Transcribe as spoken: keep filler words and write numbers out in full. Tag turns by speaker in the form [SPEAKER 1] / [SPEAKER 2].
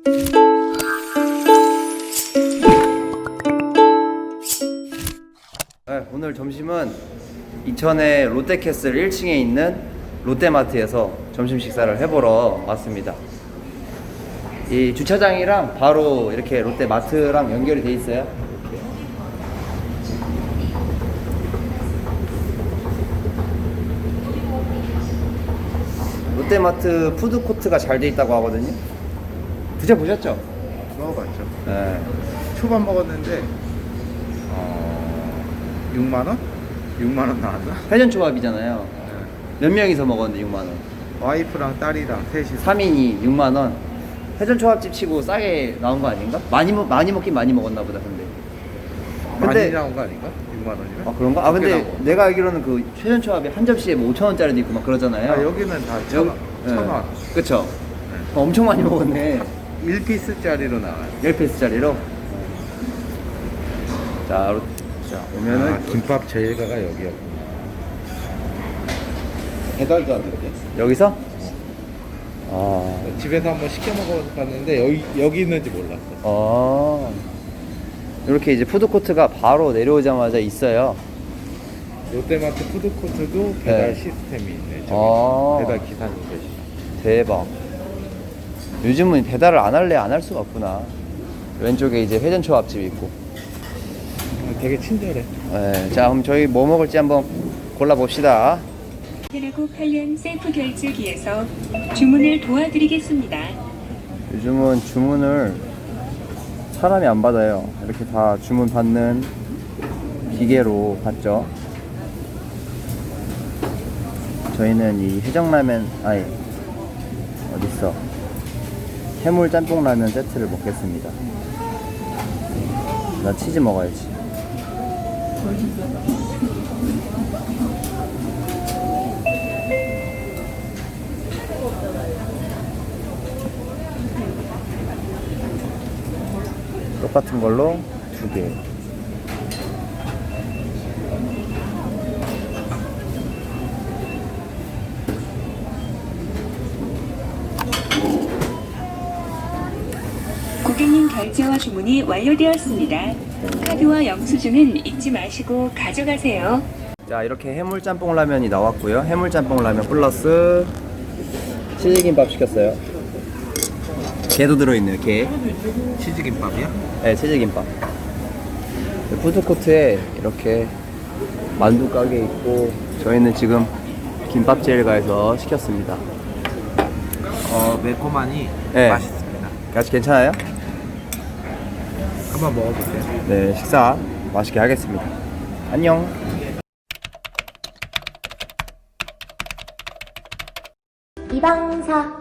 [SPEAKER 1] 네, 오늘 점심은 이천의 롯데캐슬 일 층에 있는 롯데마트에서 점심 식사를 해보러 왔습니다. 이 주차장이랑 바로 이렇게 롯데마트랑 연결이 돼 있어요. 롯데마트 푸드코트가 잘 돼 있다고 하거든요. 드셔보셨죠?
[SPEAKER 2] 먹어봤죠.
[SPEAKER 1] 네.
[SPEAKER 2] 초밥 먹었는데 어... 육만 원? 육만 원 나왔나?
[SPEAKER 1] 회전초밥이잖아요.
[SPEAKER 2] 네.
[SPEAKER 1] 몇 명이서 먹었는데 육만 원?
[SPEAKER 2] 와이프랑 딸이랑 셋이
[SPEAKER 1] 삼 인이 육만 원. 회전초밥집 치고 싸게 나온 거 아닌가? 많이 먹 많이 먹긴 많이 먹었나 보다. 근데
[SPEAKER 2] 많이
[SPEAKER 1] 근데-
[SPEAKER 2] 나온 거 아닌가? 육만 원이면?
[SPEAKER 1] 아 그런가? 아 근데
[SPEAKER 2] 적게 나온 거.
[SPEAKER 1] 내가 알기로는 그 회전초밥이 한 접시에 뭐 오천 원짜리도 있고 막 그러잖아요.
[SPEAKER 2] 아, 여기는 다 천 원. 천 원.
[SPEAKER 1] 그쵸?
[SPEAKER 2] 네.
[SPEAKER 1] 어, 엄청 많이 먹었네.
[SPEAKER 2] 일 피스짜리로 나와요.
[SPEAKER 1] 십 피스짜리로. 자, 로- 자 오면은
[SPEAKER 2] 아, 김밥 제일가가 여기였구나. 배달도 안 되게.
[SPEAKER 1] 여기서 아,
[SPEAKER 2] 집에서 한번 시켜 먹어봤는데 여기 여기 있는지 몰랐어.
[SPEAKER 1] 아 이렇게 이제 푸드코트가 바로 내려오자마자 있어요.
[SPEAKER 2] 롯데마트 푸드코트도 배달
[SPEAKER 1] 네.
[SPEAKER 2] 시스템이 있네. 저기
[SPEAKER 1] 아.
[SPEAKER 2] 배달 기사님 계시다.
[SPEAKER 1] 대박. 요즘은 배달을 안 할래 안 할 수가 없구나. 왼쪽에 이제 회전초밥집이 있고.
[SPEAKER 2] 되게 친절해.
[SPEAKER 1] 네, 자 그럼 저희 뭐 먹을지 한번 골라봅시다.
[SPEAKER 3] 편하고 편리한 셀프 결제기에서 주문을 도와드리겠습니다.
[SPEAKER 1] 요즘은 주문을 사람이 안 받아요. 이렇게 다 주문 받는 기계로 받죠. 저희는 이 해장라면, 아니 어딨어, 해물 짬뽕 라면 세트를 먹겠습니다. 나 치즈 먹어야지. 똑같은 걸로 두 개.
[SPEAKER 3] 고객님 결제와 주문이 완료되었습니다. 카드와 영수증은 잊지 마시고 가져가세요.
[SPEAKER 1] 자 이렇게 해물 짬뽕 라면이 나왔고요. 해물 짬뽕 라면 플러스 치즈김밥 시켰어요. 게도 들어있네요. 게.
[SPEAKER 2] 치즈김밥이야?
[SPEAKER 1] 네, 치즈김밥. 푸드코트에 이렇게 만두 가게 있고, 저희는 지금 김밥제일가에서 시켰습니다.
[SPEAKER 2] 어 매콤하니
[SPEAKER 1] 네.
[SPEAKER 2] 맛있습니다.
[SPEAKER 1] 같이 괜찮아요?
[SPEAKER 2] 한번 먹어보세요.
[SPEAKER 1] 네, 식사 맛있게 하겠습니다. 안녕.
[SPEAKER 4] 이방사